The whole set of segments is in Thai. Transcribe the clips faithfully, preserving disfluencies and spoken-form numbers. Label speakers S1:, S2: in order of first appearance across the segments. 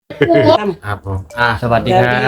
S1: ครับผมอ่าสวัสดีครับ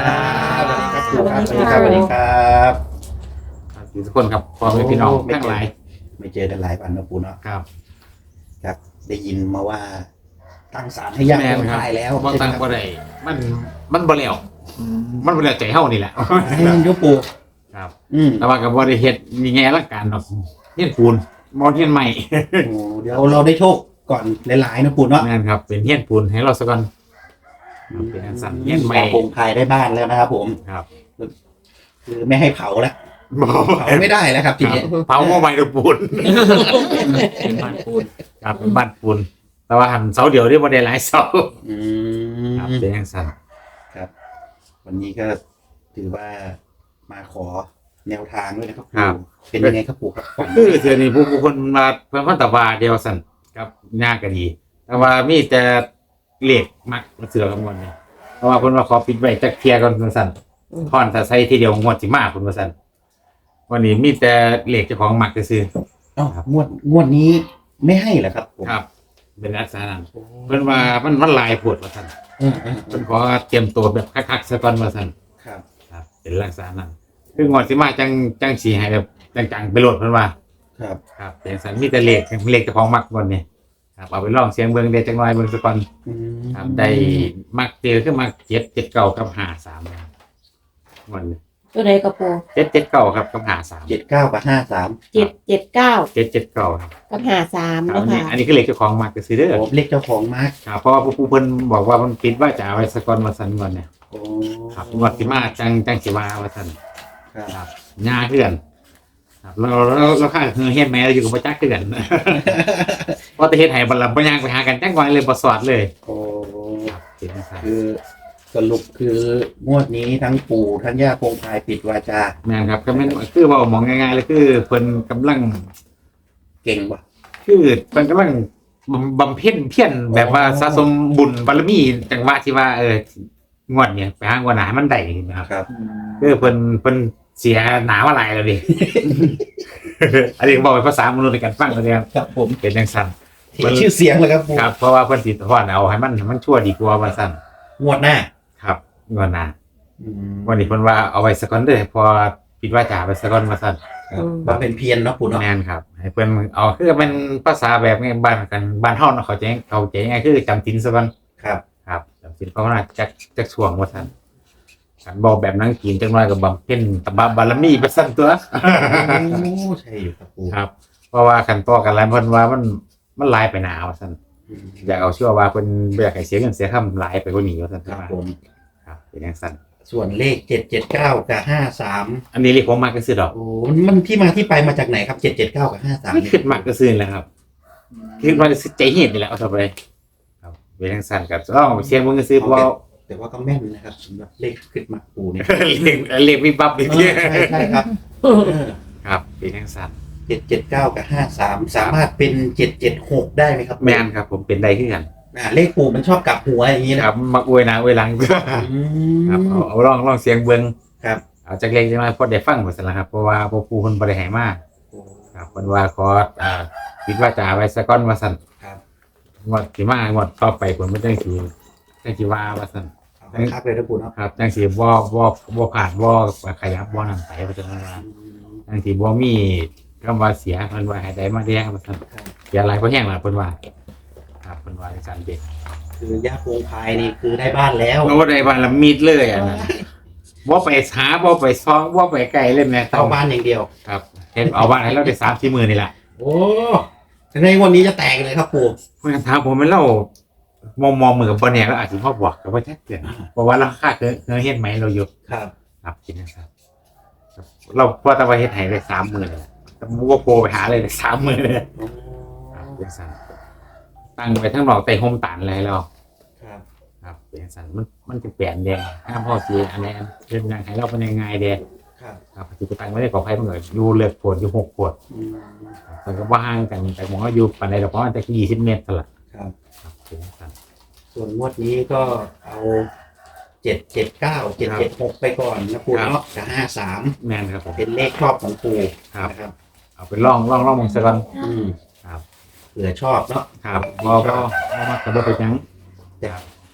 S2: สวัสดีครับสวัสดีครับ
S1: ทุกคนครับพ่อแม่พี่น้องทั้งหลาย
S2: ไม่เจอกันหลายวันนะปูเนาะ
S1: ครับ
S2: ครับ ได้ยินมาว่า ตั้งศาลให้ญาติคนตายแล้ว
S1: บ่ตั้งบ่ได้มันมันบ่แล้วมันบ่แล้วใจเฮานี่แหละ
S2: ให้มันยุบปู
S1: ครับ
S2: อืม
S1: แต่ว่าก็บ่ได้เฮ็ดมีแง่ละกันเนาะเฮียนปูนบ่เฮียนใหม่
S2: โอ้เดี๋ยวเราได้โชคก่อนหลายๆนะปูเนาะ
S1: แม่นครับเป็นเฮียนปูนให้เราซะก่อนเป็นอันสั่นเฮียนใหม่
S2: คงพายได้บ้านแล้วนะครับผม
S1: ครับ
S2: คือไม่ให้เผาแล้ว
S1: บ่
S2: เผาไม่ได้แล้วครับทีนี้
S1: เผาบ่ใหม่ดอกปูนเป็นบ้านปูนครับเป็นบ้านปูนแต่ว่าหันเสาเดียวได้บ่ได้หลายเสา
S2: อื
S1: ครับ
S2: ม
S1: เป็นอันสั่น
S2: ครับ วันนี้ก็ถือว่ามาขอแนวทางด้วยนะครับ
S1: ครับ
S2: ปู่เป็นยังไงครับปู่ครับ
S1: คือเสือนี่ผู้ผู้คนมาเพิ่นพันตะวาเดียวสั่นครับยากก็ดี แต่ว่ามีแต่เลขมักเสือกันหมดนี่เพราะว่าเพิ่นว่าขอปิดไว้จักเที่ยก่อนเพิ่นสั่นพรถ้าใส่ทีเดียวงวดสิมาเพิ่นว่าสั่นวันนี้มีแต่เลขเจ้าของมักซื่อ
S2: เอ้างวดงวดนี้ไม่ให้เหรอครับผม
S1: ๆครับ เป็นลักษณะนั้นเพิ่นว่ามันมันหลายโพดว่าสั่น
S2: อืมอืม
S1: เพิ่นขอเตรียมตัวแบบคักๆซะก่อนว่าสั่น
S2: ครับ
S1: ครับเป็นลักษณะนั้นคืองวดสิมาจังจังสิให้แบบจังๆไปโลดเพิ่นว่า
S2: ครับ
S1: ครับเป็นสันมีแต่เลขเลขเจ้าของมักบนนี่ครับเอาไปลองเสียงเบิ้งเดจังน้อยเบิ้งสักก่อน
S2: อืม
S1: ครับได้มักเจอขึ้นมาเจ็ดเจ็ดเก้ากับหาสามวันนี้
S3: ตัวใดกระโปรง
S1: เจ็ดเจ็ดเก้าครับกับหาสาม
S2: เจ็ดเก้ากับห้าสาม
S3: เจ็ดเจ็ดเก้า
S1: เจ็ดเจ็ดเก้าครับ
S3: กับหาสาม
S1: ครับอันนี้
S3: นะคะ
S1: อันนี้คือเลขเจ้าของมักก็ซื้อเด้อ
S2: โอ้เลขเจ้าของมาร์ค
S1: ครับเพราะว่าผู้ผู้เพิ่นบอกว่ามันปิดว่าจะเอาไว้สักก่อนมาสันก่อนเนี่ย
S2: โอ้
S1: ครับงวดสิมาจังจังสิว่าว่าสัน
S2: ครับ
S1: ครับง่ายเพื่อนครับเราเราเราค่าคือเฮ็ดแม่เราอยู่กับประจักษ์เพื่อน เพราะแต่เฮ็ดให้บรรลับบ่ย่างไปหากันจังก่อนเลยบ่สอดเลย
S2: โอ้
S1: ครับเป็นจังซั่น
S2: คือสรุปคืองวดนี้ทั้งปู่ทั้งย่าคงพายปิดวาจา
S1: แม่นครับก็แม่นคือเว่ามองง่ายๆเลยคือเพิ่นกำลัง
S2: เก่งว่ะ
S1: คือเพิ่นกำลังบำบำเพ็ญเพียรแบบว่าสะสมบุญบารมีจังหวะที่ว่าเอองวดเนี่ยไปหางวดหน้าให้มันได้นะครับ
S2: ครับ
S1: คือเพิ่นเพิ่นเสียหนามาหลายแล้วดิ อันนี้บอกเป็นภาษามนุษย์ในการฟังเลยครับ
S2: ครับผม
S1: เป็นจังซั่น
S2: เสียชื่อเสียงเลยครับปู่
S1: ครับเพราะว่าเพิ่นสิทอดเอาให้มันให้มันชั่วดีกว่าว่าซั่น
S2: งวดหน้า
S1: ครับงวดหน้า
S2: อืม
S1: วันนี้เพิ่นว่าเอาไว้สักก่อนเด้อพอปิดวาจาไปสักก่อนว่าซั่น
S2: ครับมาเป็นเพียรเนาะปู่เนาะ
S1: แม่นครับให้เพิ่นเอาคือเป็นภาษาแบบไงบ้านกันบ้านเฮาเนาะเขาใจเขาใจง่ายคือจำศีลซะก่อน
S2: ครับ
S1: ครับจำศีลภาวนาจักจักช่วงว่าซั่นกันบอกแบบนังกินจังน้อยก็บำเพ็ญตบะบารมีไปซั่นตัว
S2: โอ้ใช่อยู่ครับปู่
S1: ครับ เพราะว่าคันต่อกันหลายเพิ่นว่ามันมันหลายไปหนาว่าซั่น
S2: อืม
S1: อยากเอาเชื่อว่าเพิ่นบ่อยากให้เสียเงินเสียคำหลายไปกว่านี้ว่าซั่น
S2: ครับผม
S1: ครับเป็นจังซั่น
S2: ส่วนเลขเจ็ดเจ็ดเก้ากับห้าสาม
S1: อันนี้เรียกผมมักก็ซื้อดอก
S2: โอ้มันที่มาที่ไปมาจากไหนครับเจ็ดเจ็ดเก้ากับห้าสาม
S1: ไม่คิดมักก็ซื้อแหล้วครับคิดว่าจะใจเฮ็ดนี่แหละเอาต่อไปครับเป็นจังซั่นก็ลองเอาไปเสียงเบิ่งก็ซื้อเพราะว่า
S2: แต่ว่าก็แม่นนะครับสำหรับเลขขึ้นมาปู่เนี่ย
S1: เรียกเรียกวิบวับอีก
S2: เอ
S1: ที
S2: อใช่ใช่ครับ
S1: ครับเป็นจังซั่น
S2: เจ็ดเจ็ดเก้ากับห้าสามสามารถเป็นเจ็ดเจ็ดหกได้ไหมครับ
S1: แม่นครับผมเป็นได้คือกัน
S2: อ่าเลขปู่มันชอบกลับหัวอย่างนี้
S1: ค
S2: นะ
S1: รับมักอวยหน้าอวยหลัง
S2: อืม
S1: ครับเอาเอาลองลองเสียงเบิ่ง
S2: ครับ
S1: เอาจักเล็กจังน้อยพอได้ฟังว่าซั่นล่ะครับเพราะว่าพวกผู้เพิ่นบ่ได้ให้มา
S2: โอ้
S1: ครับเพิ่นว่าขออ่าปิดวาจาไว้ซะก่อนว่าซั่น
S2: ครับ
S1: งวดสิมางวดต่อไปเพิ่นบ่จังสิจังสิว่าว่าซั่น
S2: เอาให้คักเลยนะปู่เนาะ
S1: ครับจังสิบ่บ่บ่ผ่านบ่ขยับบ่นั่นไปว่าซั่นว่า
S2: อืม
S1: จังสิบ่มีคำว่าเสียเพิ่นว่าให้ได้มาแดงว่าซั่น
S2: ครับ
S1: เสียหลายเพราะแห้งล่ะเพิ่นว่าครับเพิ่นว่าจังซั่นเด็ก
S2: คือย่าโพงพายนี่คือได้บ้านแล้ว
S1: โอ้ได้บ้านละมิดเลยอ่ะนะบ่ไปหาบ่ไปซองบ่ไปไกลเลยแม่
S2: เอาบ้านอย่างเดียว
S1: ครับเห็นเอาบ้านให้เราได้สามสี่หมื่นนี่แหละ
S2: โอ้ในวันนี้จะแตกเลยครับปู่
S1: เพิ่นถามผมเป็นเรามองมองมือกับบ่แน่แล้วอาจสิมาบอกก็บ่ชัดเจนเพราะว่าราคาเคยเคยเฮ็ดไหมเราอยู่
S2: ครับ
S1: ครับกินนะครับครับเราพอแต่ว่าเฮ็ดให้ได้สามหมื่นเลยแต่บ่โปรไปหาเลยได้สามหมื่นเลย
S2: โอ้
S1: ครับเป็นซั่นตั้งไว้ทั้งนอกใต้ห่มตานเลยแล้ว
S2: ครับ
S1: ครับเป็นซั่นมันมันจะเปลี่ยนแดงห้ามพ่อสิอันนี้เฮ็ดยังให้เราเป็นยังไงแดง
S2: ครับ
S1: ครับสิไปตั้งไว้ในกอไผ่มันก็อยู่เลือกโพดอยู่หกโพด
S2: อืม
S1: แต่ก็ว่าห่างกันแต่หมองก็อยู่ปานใดดอกเพราะมันจะยี่สิบเมตรสละ
S2: ครับ
S1: ครับเป็นซั่น
S2: ส่วนงวดนี้ก็เอาเจ็ดเจ็ดเก้าเจ็ดเจ็ดหกไปก่อนนะปู่เนาะกับห้าสาม
S1: แม่นครับผม
S2: เป็นเลขชอบของปู่
S1: ครับ
S2: นะครับ
S1: เอาไปล่องล่องล่องมองซะก่อน
S2: อืม
S1: ครับ
S2: เผื่อชอบเนาะ
S1: ครับบ่บ่บ่มากก็บ่ไปหยัง
S2: แต่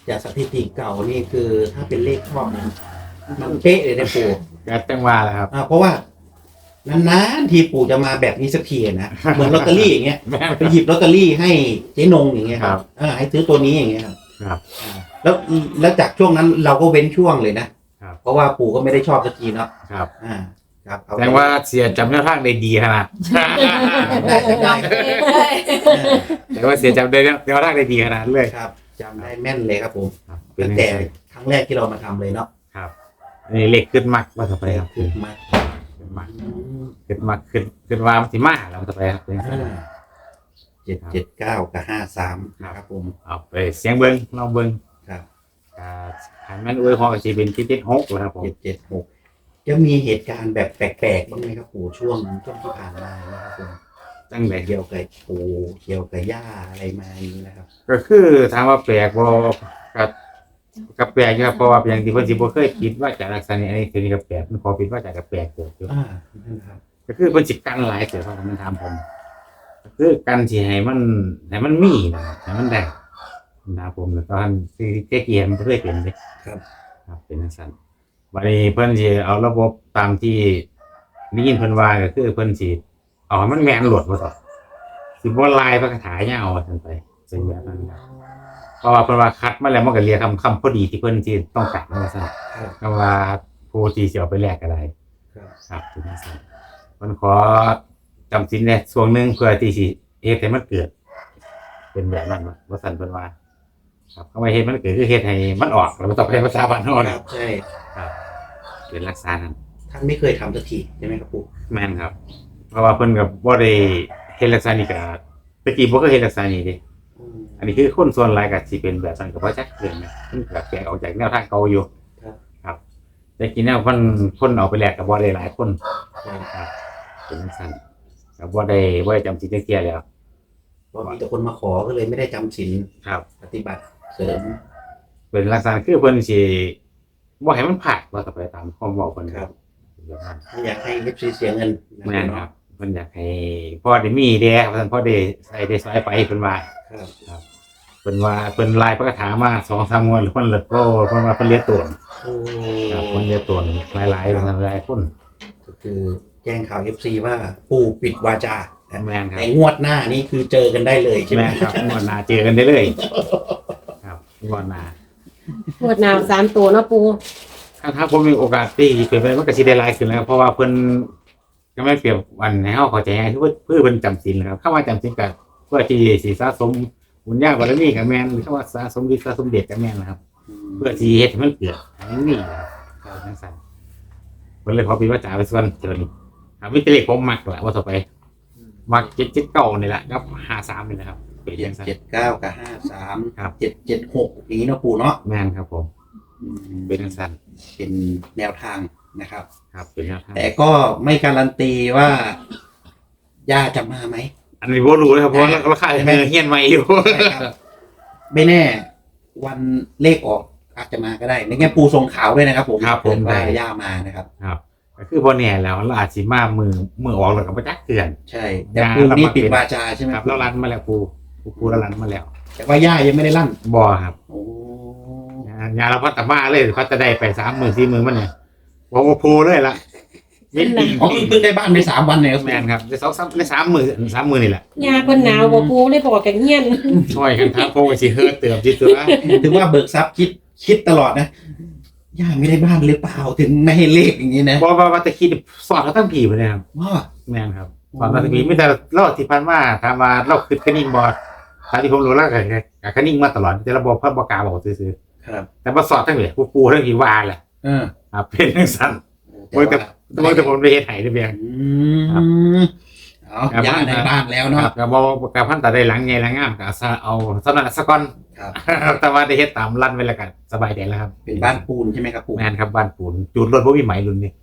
S2: จากสถิติเก่านี่คือถ้าเป็นเลขชอบเนี่ยมันเป๊ะเลยนะปู่
S1: ก็จังว่าแหละครับ
S2: อ่าเพราะว่านานๆทีปู่จะมาแบบนี้สักทีนะเหมือนลอตเตอรี่อย่างเงี้ย
S1: แม่น
S2: ไปหยิบลอตเตอรี่ให้เจ๊นงอย่างเงี้ยค
S1: ครั
S2: รับบ อ่าให้ซื้อตัวนี้อย่างเงี้ยครับ
S1: ครับ
S2: อ่าแล้วแล้วจากช่วงนั้นเราก็เว้นช่วงเลยนะครับ เพราะว่าปู่ก็ไม่ได้ชอบสักทีเนาะ
S1: ครับ
S2: อ่าครับเอ
S1: แสดงว่าเสียจำแนวทางได้ดีขนาด
S2: ได้ได้
S1: แต่ว่าเสียจำได้แนวทางได้ดีขนาดเลย
S2: ครับจำได้แม่นเลยครับผม
S1: ครับเป็น
S2: ตั้ง
S1: ยัง
S2: แต่
S1: ไง
S2: ครั้งแรกที่เรามาทำเลยเนาะ
S1: ครับอันนี้เล็กขึ้นมากว่าต่อไปครับ
S2: ขึ้นมา
S1: ขึ้นมากขึ้นมากขึ้นขึ้นว่ามันสิมาแล้วต่อไปครับเป็นยังไง
S2: เจ็ดเจ็ดเก้ากับห้าสามนะครับผม
S1: เอาไปเสียงเบิ้งลองเบิ้ง
S2: ครับ
S1: อ่าหันแม่นอวยพรกับจีเป็นที่ติดหกแล้วครับผม
S2: เจ็ดเจ็ดหกจะมีเหตุการณ์แบบแปลกๆบ้างไหมครับปู่ช่วงช่วงที่ผ่านมานะครับผม
S1: ตั้งแต่
S2: เกี่ยวกับปู่เกี่ยวกับย่าอะไรมาอย่างนี้นะครับ
S1: ก็คือถามว่าแปลกบ่กับกับแปลกอยู่ครับเพราะว่าเป็นอย่างที่เพิ่นสิบ่เคยคิดว่าจะลักษณะนี้อันนี้คือนี่ก็แปลกมันพอคิดว่าจะกับแปลกเกิดอยู่
S2: อ่านั่นครับ
S1: ก็คือเพิ่นสิกันหลายเสือครับมันถามผมก็คือกันสิให้มันให้มันมีนะครับให้มันได้นะครับผมแล้วตอนที่เจ๊เกียมนบ่เคยเป็นเด้
S2: ครับ
S1: ครับเป็นจังซั่นวันนี้เพิ่นสิเอาระบบตามที่ได้ยินเพิ่นว่าก็คือเพิ่นสิเอาให้มันแม่นโหลดบ่ต่อสิบ่ลายพระคาถายาวว่าซั่นไปเป็นแบบนั้นครับเพราะว่าเพิ่นว่าคัดมาแล้วมันก็เรียกคำคำพอดีที่เพิ่นสิต้องการว่าซั่น
S2: ครับ
S1: ก็ว่าผู้ที่สิเอาไปแลกก็ได้
S2: ครับ
S1: ครับเป็นจังซั่นเพิ่นขอจำศีลเนี่ยช่วงหนึงเพื่อที่สิเฮ็ดให้มันเกิด เป็นแบบนั้นว่าว่าซั่นเพิ่นว่า ครับคำว่าเฮ็ดมันเกิดคือเฮ็ดให้มันออกแล้วมันต้องเป็นภาษาบ้านเฮา
S2: ค
S1: นะ
S2: รับใช่
S1: ครับเป็นรักษานั้น
S2: ท่านไม่เคยทำสักทีใช่ไหมครับปู่
S1: แม่นครับ เพราะว่าเพิ่นก็บ่ได้เฮ็ดลักษณะนี้ก็ตะกี้บ่เคยเฮ็ดลักษณะนี้เด้
S2: อืม
S1: อันนี้คือคนส่วนหลายก็สิเป็นแบบนั้นก็บ่จักเรื่องนะมันก็แปลกออกจากแนวทางเก่าอยู่
S2: ครับ
S1: ครับแต่กี้แนวเพิ่นคนเอาไปแลกก็บ่ได้หลายคน
S2: ครับ
S1: ครับเป็นจังซั่นก็บ่ได้บ่ได้จำสิจักเที่ยแล้ว
S2: เพราะมีแต่คนมาขอก็เลยไม่ได้จำศีล
S1: ครับ
S2: ปฏิบัติเสริม
S1: เป็นลักษณะคือเพิ่นสิบ่ให้มันพลาดว่าต่อไปตามความเว้าเพิ่นครับแบบนั้น
S2: ไม่อยากให้เอฟซีเสียเงินนะ
S1: แม่นครับเพิ่นอยากให้พ่อได้มีแด่ครับเพิ่นพ่อได้ใส่ได้ซอยไปเพิ่นว่า
S2: ครับ
S1: เพิ่นว่าเพิ่นลายพระคาถามาสองสามงวดแล้วเพิ่นเลิกก็เพิ่นว่าเพิ่นเรียกตัว
S2: โอ้
S1: ครับเพิ่นเรียกตัวหลายๆเพิ่นหลายคน
S2: ก็คือแจ้งข่าวเอฟซีว่าปู่ปิดวาจานะ
S1: แม่นครับ
S2: แต่งวดหน้านี่คือเจอกันได้เลยใช่ไหม
S1: แม่นครับงวดหน้าเจอกันได้เลย ครับงวดหน้า
S3: ปวดหนาวสามตัวเนาะปู
S1: ถ้าถ้าผมมีโอกาสที่เปลี่ยนไปมันก็สิได้หลายขึ้นแล้วเพราะว่าเพิ่นก็ไม่เปรียบวันให้เฮาเข้าใจง่ายคือเพื่อเพื่อเพิ่นจำศีลนะครับคำว่าจำศีลก็เพื่อที่สิสะสมบุญญาบารมีก็แม่นหรือคำว่าสะสมฤทธิ์สะสมเดชก็แม่นนะครับ เพื่อที่เฮ็ดให้มันเกิดให้มันมีนะครับครับจังซั่นเพิ่นเลยขอปิดวาจาไปส่วนเท่านี้ครับมีแต่เลขผมมักแหละว่าต่อไปมักเจ็ดเจ็ดเก้านี่แหละกับห้าสามนี่แหละครับเป็น
S2: เจ็
S1: จั
S2: ด
S1: งซั่น
S2: เจ็ดเก้ากับห้าสาม
S1: ครับ
S2: เจ็ดเจ็ดหกอย่างนี้เนาะปู่เนาะ
S1: แม่นครับผม
S2: อืม
S1: เป็นจังซั่น
S2: เป็นแนวทางนะครับ
S1: ครับเป็นแนวทาง
S2: แต่ก็ไม่การันตีว่าย่าจะมาไหม
S1: อันนี้บ่รู้เลยครับเพราะว่าราคาเฮียนใหม่อยู่
S2: ใช่ครับ ไม่แน่ วันเลขออกอาจจะมาก็ได้ในแง่ปูทรงขาวด้วยนะครับผม
S1: ครับผม
S2: เกิดว่า
S1: ได้
S2: ย่ามานะครับ
S1: ครับก็คือบ่แน่แล้วเราอาจสิมามือมือออกแล้วก็บ่จักเตือน
S2: ใช่แต่ปูนี่ปิดวาจาใช่ไหม
S1: ครับแล้วรันมาแล้วปูปูปูแล้วรันมาแล้ว
S2: แต่ว่าย่ายังไม่ได้ลั่น
S1: บ่ครับ
S2: โอ้
S1: งานเราพัฒนาเลยพัฒนาได้ไปสามหมื่นสี่หมื่นมันเนี่ยบอกว่าปูเลยล่ะเม็ดดี
S2: อ๋อเพิ่งได้บ้านไปสามวันเนี่ยครับ
S1: แมนครับได้สองสามได้สามหมื่นสามหมื่นนี่แหละ
S3: ยาเพิ่นหนาวบ่ปูเลยบอกกันเฮียน
S1: ช่วยกันครับโปไปสิเฮิร์ตเติมจิตตัว
S2: ถึงว่าเบิกทรัพย์คิดคิดตลอดนะย่าไม่ได้บ้านหรือเปล่าถึงไม่ให้เลขอย่างนี้นะ
S1: บอกว่าว่าแต่คิดสอนเขาตั้งผีไปเลยครับ
S2: ว้า
S1: แมนครับสอนเราตั้งผีไม่แต่เราที่พันว่าถามว่าเราคือคนิ่งบอดตามที่ผมรู้แล้วก็กับคนิ่งมาตลอดแต่เราบอกพระบอกกาบอกซื้อ
S2: ครับ
S1: แต่มาสอนทั้งเลยปูปูทั้งผีวาแหละ
S2: เออ
S1: ครับเป็นทั้งสั้น
S2: แต่
S1: โอ้ยแต่
S2: ว่า
S1: โดยแต่ผมได้เฮ็ดไห้ได้เพียง
S2: อื
S1: ครับ
S2: มเอาย่าในบ้านแล้ว
S1: ค
S2: เนาะ
S1: รับก็บอกกับพันแต่ได้หลังไงหลังงามก็เอาสนั่นสะก่อน
S2: ครับ
S1: แต่ว่าได้เฮ็ดตามลั่นไว้แล้วกันสบายใจแล้วครับ
S2: เป็นบ้านปูนใช่ไหมครับปู
S1: แมนครับบ้านปูนจูดรถบ่มีไหมรุ่นนี้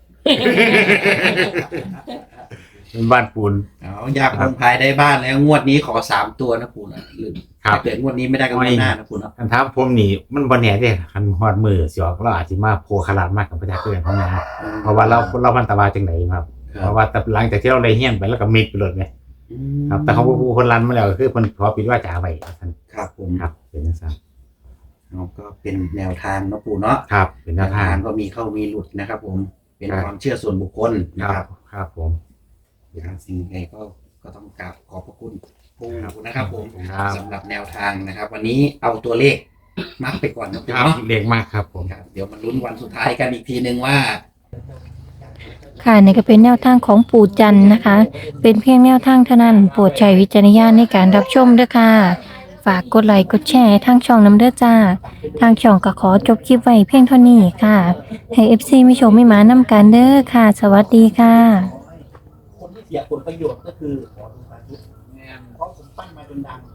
S1: เป็นบ้านปูน
S2: เอาอยากลงภายได้บ้านแล้วงวดนี้ขอสามตัวนะปูนะหรือ
S1: ครับ
S2: ถ้าเกิดงวดนี้ไม่ได้ก็งวดหน้านะปูเนาะ
S1: คันถามผมนี่มันบ่แน่เด้คันฮอดมือสิออกเราอาจสิมาโพขลาดมากกับประชาชนของเราเพราะว่าเราเราพันตะวาจังไดครับเพราะว่าแต่หลังจากที่เราได้เฮียนไปแล้วก็มิดไปเลยไงครับแต่เขาผู้คนรันมาแล้วก็คือเพิ่นขอปิดวาจาไว้ท่าน
S2: ครับผม
S1: ครับเป็นจังซั่น
S2: เนาะก็เป็นแนวทางเนาะปู่เนาะ
S1: ครับ เป็นแน
S2: แน
S1: ว
S2: ว
S1: ทา
S2: ทาง งก็มีเข้ามีหลุดนะครับ ผมเป็น
S1: ครับ
S2: ความเชื่อส่วนบุคคลนะ
S1: ค
S2: ค
S1: รั
S2: รั
S1: บบ ครับผม
S2: อย่างสิ่งใดก็ก็ต้องกราบขอบพระคุณปู่
S1: ครับ
S2: นะครับ ผม
S1: ครับ
S2: สำหรับแนวทางนะครับ วันนี้เอาตัวเลขมักไปก่อนนะปู่
S1: ครับ
S2: เนาะ
S1: เล็กมากครับผม
S2: ครับเดี๋ยวมาลุ้นวันสุดท้ายกันอีกทีหนึ่งว่า
S4: ค่ะนี่ก็เป็นแนวทางของปู่จันทร์นะคะ เป็นเพียงแนวทางเท่านั้นโปรดใช้วิจารณญาณในการรับชมด้วยค่ะ ฝากกดไลค์กดแชร์ทางช่องน้ำเด้อจ้า ทางช่องก็ขอจบคลิปไว้เพียงเท่านี้ค่ะ ให้ เอฟ ซี ไม่ชมไม่หมานำกันเด้อค่ะ สวัสดีค่ะ
S2: คนที่เสียผลประโยชน์ก็คือขอดูปายุเพราะผมปั้นมาจนดัง